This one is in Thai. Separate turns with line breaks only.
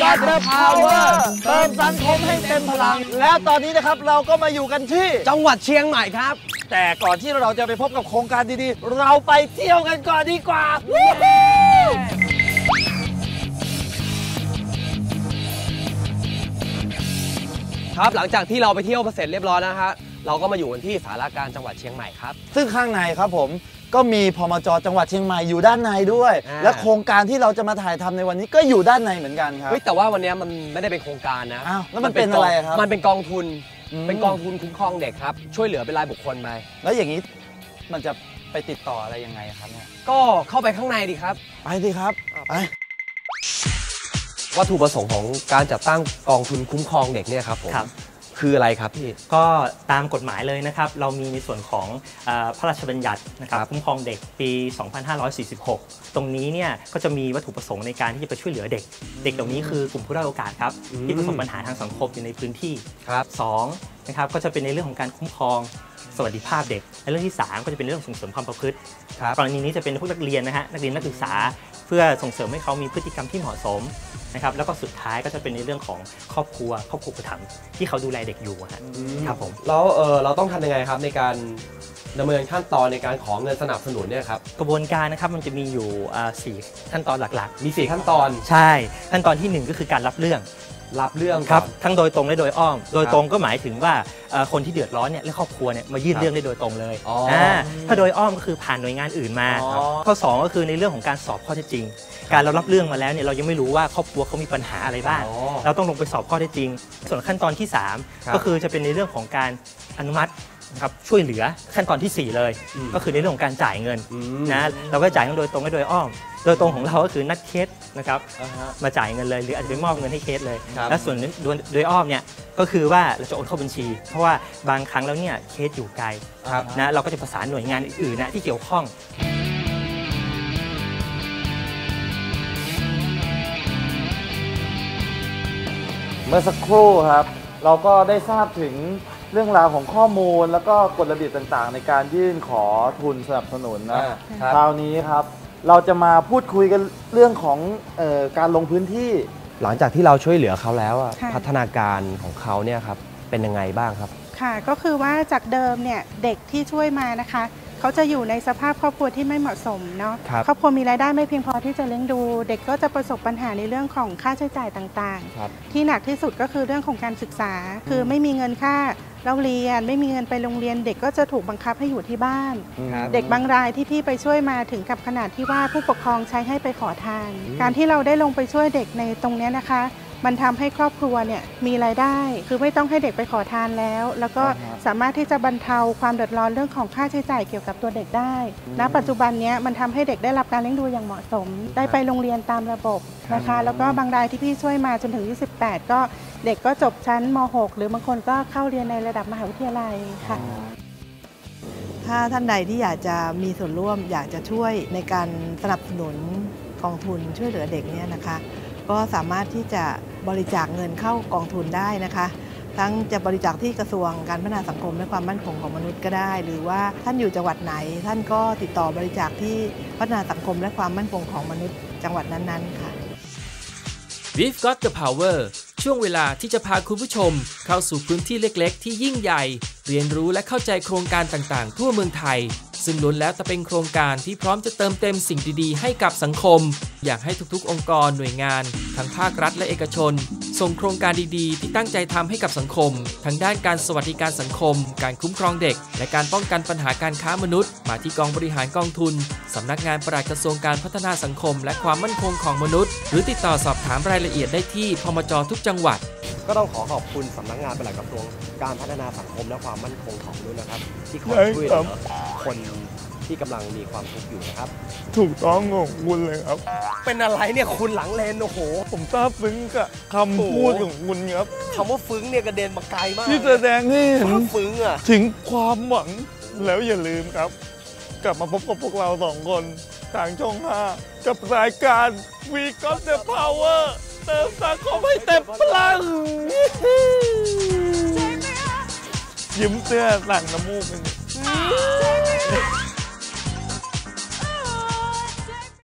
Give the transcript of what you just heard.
Got the Power เติมสังคมให้เต็มพลังแล้วตอนนี้นะครับเราก็มาอยู่กันที่
จังหวัดเชียงใหม่ครับ
แต่ก่อนที่เราจะไปพบกับโครงการดีๆเราไปเที่ยวกันก่อนดีกว่า
ครับหลังจากที่เราไปเที่ยวเสร็จเรียบร้อยแล้วฮะเราก็มาอยู่กันที่ศาลาการจังหวัดเชียงใหม่ครับ
ซึ่งข้างในครับผมก็มีพมจ.จังหวัดเชียงใหม่อยู่ด้านในด้วยและโครงการที่เราจะมาถ่ายทำในวันนี้ก็อยู่ด้านในเหมือนกันครับ
แต่ว่าวันนี้มันไม่ได้เป็นโครงการนะ
อ้าวแล้วมันเป็นอะไรครับ
มันเป็นกองทุนคุ้มครองเด็กครับช่วยเหลือเป็นรายบุคคลไป
แล้วอย่างนี้มันจะไปติดต่ออะไรยังไงครับเนี่ย
ก็เข้าไปข้างในดีครับ
ไปดิครับไป
วัตถุประสงค์ของการจัดตั้งกองทุนคุ้มครองเด็กเนี่ยครับผมคืออะไรครับพี่
ก็ตามกฎหมายเลยนะครับเรามีในส่วนของพระราชบัญญัตินะครับคุ้มครองเด็กปี 2546 ตรงนี้เนี่ยก็จะมีวัตถุประสงค์ในการที่จะไปช่วยเหลือเด็กเหล่านี้คือกลุ่มผู้ด้อยโอกาสครับที่ประสบปัญหาทางสังคมอยู่ในพื้นที่2นะครับก็จะเป็นในเรื่องของการคุ้มครองสวัสดิภาพเด็กและเรื่องที่3ก็จะเป็นเรื่องส่งเสริมความประพฤติกรณีนี้จะเป็นพวกนักเรียนนะฮะนักเรียนนักศึกษาเพื่อส่งเสริมให้เขามีพฤติกรรมที่เหมาะสมนะครับแล้วก็สุดท้ายก็จะเป็นในเรื่องของครอบครัวอุปถัมภ์ที่เขาดูแลเด็กอยู่ครับผม
แล้วเราต้องทำยังไงครับในการดำเนินขั้นตอนในการขอเงินสนับสนุนเนี่ยครับ
กระบวนการนะครับมันจะมีอยู่4ขั้นตอนหลัก
ๆมี4ขั้นตอน
ใช่ขั้นตอนที่1ก็คือการรับเรื่องครับทั้งโดยตรงและโดยอ้อมโดยตรงก็หมายถึงว่าคนที่เดือดร้อนเนี่ยและครอบครัวเนี่ยมายื่นเรื่องได้โดยตรงเลยถ้าโดยอ้อมก็คือผ่านหน่วยงานอื่นมาข้อ2ก็คือในเรื่องของการสอบข้อเท็จจริงการเรารับเรื่องมาแล้วเนี่ยเรายังไม่รู้ว่าครอบครัวเขามีปัญหาอะไรบ้างเราต้องลงไปสอบข้อเท็จจริงส่วนขั้นตอนที่3ก็คือจะเป็นในเรื่องของการอนุมัตินะครับช่วยเหลือขั้นตอนที่4เลยก็คือในเรื่องของการจ่ายเงินนะเราก็จ่ายเงินโดยตรงและโดยอ้อมโดยตรงของเราก็คือนัดเคสนะครับมาจ่ายเงินเลยหรืออาจจะไปมอบเงินให้เคสเลยและส่วนโดยอ้อมเนี่ยก็คือว่าเราจะโอนเข้าบัญชีเพราะว่าบางครั้งแล้วเนี่ยเคสอยู่ไกลนะเราก็จะประสานหน่วยงานอื่นๆนะที่เกี่ยวข้อง
เมื่อสักครู่ครับเราก็ได้ทราบถึงเรื่องราวของข้อมูลแล้วก็กฎระเบียบต่างๆในการยื่นขอทุนสนับสนุนนะคราวนี้ครับเราจะมาพูดคุยกันเรื่องของการลงพื้นที่
หลังจากที่เราช่วยเหลือเขาแล้วพัฒนาการของเขาเนี่ยครับเป็นยังไงบ้างครับ
ค่ะก็คือว่าจากเดิมเนี่ยเด็กที่ช่วยมานะคะเขาจะอยู่ในสภาพครอบครัวที่ไม่เหมาะสมเนาะครอบครัวมีรายได้ไม่เพียงพอที่จะเลี้ยงดูเด็กก็จะประสบปัญหาในเรื่องของค่าใช้จ่ายต่างๆที่หนักที่สุดก็คือเรื่องของการศึกษาคือไม่มีเงินค่าเราเรียนไม่มีเงินไปโรงเรียนเด็กก็จะถูกบังคับให้อยู่ที่บ้านเด็กบางรายที่พี่ไปช่วยมาถึงกับขนาดที่ว่าผู้ปกครองใช้ให้ไปขอทานการที่เราได้ลงไปช่วยเด็กในตรงนี้นะคะมันทำให้ครอบครัวเนี่ยมีรายได้คือไม่ต้องให้เด็กไปขอทานแล้วก็สามารถที่จะบรรเทาความเดือดร้อนเรื่องของค่าใช้จ่ายเกี่ยวกับตัวเด็กได้ณปัจจุบันนี้มันทำให้เด็กได้รับการเลี้ยงดูอย่างเหมาะสมได้ไปโรงเรียนตามระบบนะคะแล้วก็บางรายที่พี่ช่วยมาจนถึง28ก็เด็กก็จบชั้นม.6 หรือบางคนก็เข้าเรียนในระดับมหาวิทยาลัยค่ะ
ถ้าท่านใดที่อยากจะมีส่วนร่วมอยากจะช่วยในการสนับสนุนกองทุนช่วยเหลือเด็กเนี่ยนะคะก็สามารถที่จะบริจาคเงินเข้ากองทุนได้นะคะทั้งจะบริจาคที่กระทรวงการพัฒนาสังคมและความมั่นคงของมนุษย์ก็ได้หรือว่าท่านอยู่จังหวัดไหนท่านก็ติดต่อบริจาคที่พัฒนาสังคมและความมั่นคงของมนุษย์จังหวัดนั้นๆค่ะ
We've got the power ช่วงเวลาที่จะพาคุณผู้ชมเข้าสู่พื้นที่เล็กๆที่ยิ่งใหญ่เรียนรู้และเข้าใจโครงการต่างๆทั่วเมืองไทยซึ่งล้วนแล้วแต่เป็นโครงการที่พร้อมจะเติมเต็มสิ่งดีๆให้กับสังคมอยากให้ทุกๆองค์กรหน่วยงานทั้งภาครัฐและเอกชนส่งโครงการดีๆที่ตั้งใจทำให้กับสังคมทั้งด้านการสวัสดิการสังคมการคุ้มครองเด็กและการป้องกันปัญหาการค้ามนุษย์มาที่กองบริหารกองทุนสำนักงานปลัดกระทรวงการพัฒนาสังคมและความมั่นคงของมนุษย์หรือติดต่อสอบถามรายละเอียดได้ที่พมจ.ทุกจังหวัด
ก็ต้องขอบคุณสำนักงานปลัดกระทรวงการพัฒนาสังคมและความมั่นคงของมนุษย์นะครับที่คอยช่วยเหลือคนที่กำลังมีความทุกข์อยู่นะครับ
ถูกต้องของคุณเลยครับ
เป็นอะไรเนี่ยคุณหลังเลนโอ้โห
ผมซาบซึ้งกับคำพูดของคุณครับ
คำว่าซึ้งเนี่ยกระเด็นมาไกลมาก
ที่แสดงให้เห็น
ซึ้งอ่ะ
ถึงความหวังแล้วอย่าลืมครับกลับมาพบกับพวกเรา2คนทางช่อง 5กับรายการ We Got the Power เติมสังคมให้เต็มพลังยิ้มเสื้อหลังน้ำมูก